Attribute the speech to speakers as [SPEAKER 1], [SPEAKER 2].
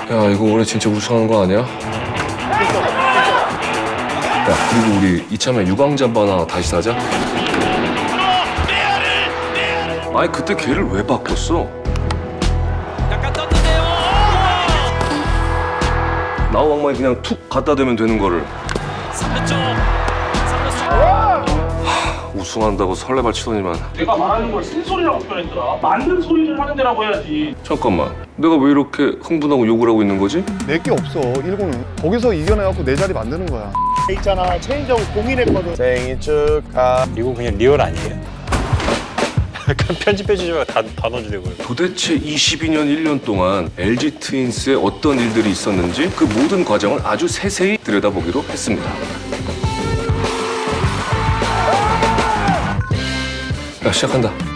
[SPEAKER 1] 야, 이거 올해 진짜 우승한 거 아니야? 야, 그리고 우리 이참에 유광잠바 하나 다시 사자. 아니, 그때 걔를 왜 바꿨어?
[SPEAKER 2] 약간 떴는데요.
[SPEAKER 1] 나우 왕만이 그냥 툭 갖다 대면 되는 거를
[SPEAKER 2] 3루 쪽. 3루
[SPEAKER 1] 우승한다고 설레발 치더니만.
[SPEAKER 3] 내가 말하는 걸 쓴소리라고 표현했더라. 맞는 소리를 하는 데라고 해야지.
[SPEAKER 1] 잠깐만, 내가 왜 이렇게 흥분하고 욕을 하고 있는 거지?
[SPEAKER 4] 내게 없어 1군은. 거기서 이겨내갖고 내 자리 만드는 거야.
[SPEAKER 5] 있잖아 체인지하고 공인했거든. 생일 축하.
[SPEAKER 6] 이거 그냥 리얼 아니에요? 약간 편집해주지 말고 다 넣어주려고요.
[SPEAKER 1] 도대체 22년 1년 동안 LG 트윈스에 어떤 일들이 있었는지 그 모든 과정을 아주 세세히 들여다보기로 했습니다. 야, 시작한다.